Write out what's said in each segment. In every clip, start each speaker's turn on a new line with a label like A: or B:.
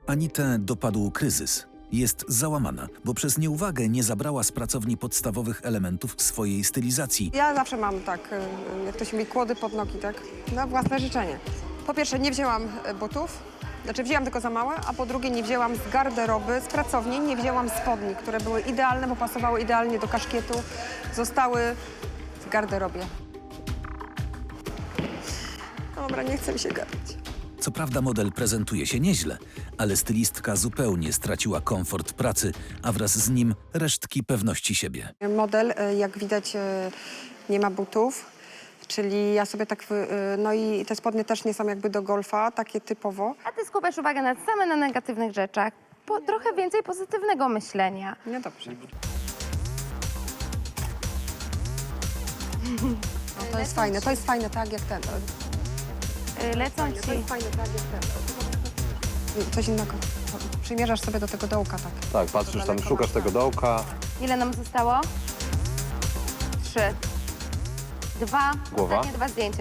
A: Anitę dopadł kryzys. Jest załamana, bo przez nieuwagę nie zabrała z pracowni podstawowych elementów swojej stylizacji.
B: Ja zawsze mam tak, jak to się mówi, kłody pod nogi, tak? Na własne życzenie. Po pierwsze, nie wzięłam butów, znaczy wzięłam tylko za małe, a po drugie nie wzięłam z garderoby, z pracowni, nie wzięłam spodni, które były idealne, bo pasowały idealnie do kaszkietu, zostały w garderobie. Dobra, nie chce mi się gadać.
A: Co prawda model prezentuje się nieźle, ale stylistka zupełnie straciła komfort pracy, a wraz z nim resztki pewności siebie.
B: Model, jak widać, nie ma butów, czyli ja sobie tak, no i te spodnie też nie są jakby do golfa, takie typowo.
C: A ty skupiasz uwagę na negatywnych rzeczach. Trochę więcej pozytywnego myślenia.
B: Nie dobrze. No, to jest fajne, tak jak ten.
C: Lecą ci.
B: To jest fajne, tak jak ten. Coś innego. Przymierzasz sobie do tego dołka, tak.
D: Tak, patrzysz tam, szukasz tego dołka.
C: Ile nam zostało? 3. 2.
D: Głowa.
C: Ostatnie 2 zdjęcia.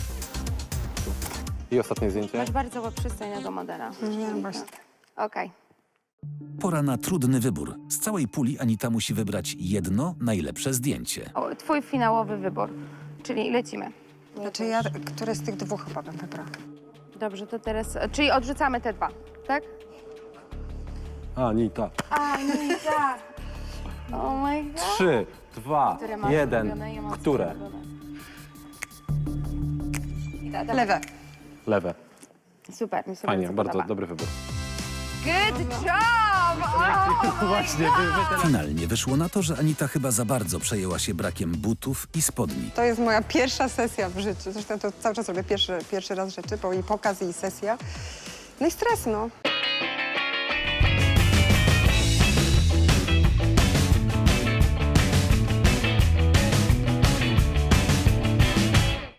D: I ostatnie zdjęcie.
C: Masz bardzo przystojnego modela.
B: Nie, właśnie.
C: Okej.
A: Pora na trudny wybór. Z całej puli Anita musi wybrać jedno najlepsze zdjęcie.
C: O, twój finałowy wybór. Czyli lecimy.
B: Znaczy ja, które z tych dwóch chyba bym wybrała.
C: Dobrze, to teraz... Czyli odrzucamy te 2, tak?
D: Anita.
C: A, nie, tak. Oh my god.
D: 3, 2,
C: Które masz
D: 1.
C: ulubione? Ja mam
D: Które?
C: swoje ulubione.
B: Lewe.
D: Lewe.
C: Super, mi się
D: Fajnie, bardzo
C: podoba.
D: dobry wybór.
C: Good job! Oh,
D: Właśnie,
A: Finalnie wyszło na to, że Anita chyba za bardzo przejęła się brakiem butów i spodni.
B: To jest moja pierwsza sesja w życiu. Zresztą to cały czas robię pierwszy raz rzeczy, bo i pokaz, i sesja. No i stres, no.